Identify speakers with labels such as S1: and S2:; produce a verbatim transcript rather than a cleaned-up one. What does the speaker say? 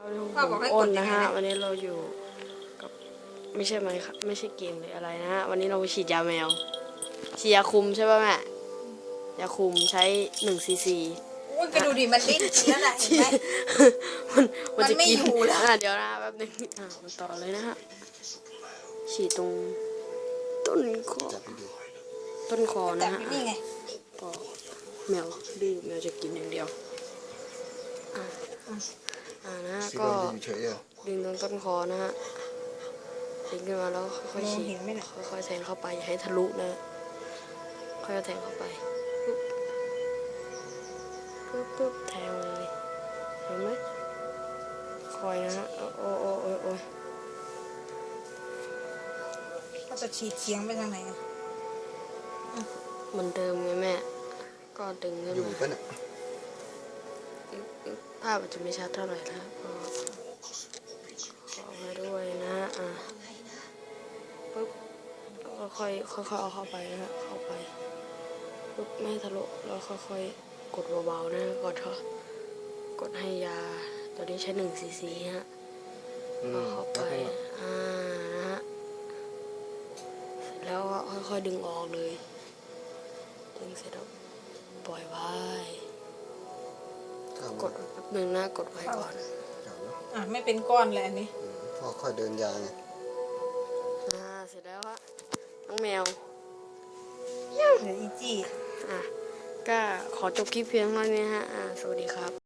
S1: ผมอ้นนะฮะวันนี้เราอยู่กับไม่ใช่ไหมครับไม่ใช่เกมหรืออะไรนะฮะวันนี้เราไปฉีดยาแมวฉีดยาคุมใช่ป่ะแม่ยาคุมใช้หนึ่งซีซี
S2: อุ้ยไปดูดิมันดิ้นแล้วนะเห็นไหม
S1: มันมันจะ
S2: ไม่
S1: กิน
S2: อยู่แล้ว
S1: อ่ะเดี๋ยวนะแป๊บนึงอ่ะมาต่อเลยนะฮะฉีดตรงต้นคอต้นคอ
S2: จั
S1: นะ
S2: บ
S1: ฮะ
S2: อยู่นี่ไง
S1: ก็แมวดื้อแมวจะกินอย่างเดียวอ่ะอ่านะฮะก็ดึงตรงต้นคอนะฮะดึงขึ้นมาแล้วค่อยๆฉีดค่อยๆแทงเข้าไปอย่าให้ทะลุนะค่อยๆแทงเข้าไปปุ๊บปุ๊บปุ๊บแทงเลยเห็นไหมคอยนะฮะโอ้โอ้โอ้โอ้
S2: เขาจะฉีดเฉียงไปทางไหนอ่ะ
S1: เหมือนเดิมไงแม่ก็ดึงขึ้น
S3: อยู่
S1: มา
S3: ปะเนี่ย
S1: ภาพอาจจะไม่ชัดเท่าไหร่นะก็ขอมาด้วยนะอ่ะปุ๊บก็ค่อยค่อยๆเอาเข้าไปนะฮะเข้าไปปุ๊บไม่ให้ทะลุแล้วค่อยๆกดเบาๆนะกดเถอะกดให้ยาตัวนี้ใช้หนึ่งซีซีฮะเอาเข้าไปอ่านะฮะเสร็จแล้วก็ค่อยๆดึงออกเลยดึงเสร็จแล้วปล่อยไว้กดแป๊บนึงนะกดไว้ก่อน
S2: อ่ะไม่เป็นก้อนเลยอันนี้
S3: พ่อค่อยเดินยาวไง
S1: อ่าเสร็จแล้วฮะน้องแมว
S2: เดี๋ยวอีจี้
S1: อ่ะก็ขอจบคลิปเพียงเท่านี้ฮะอ่าสวัสดีครับ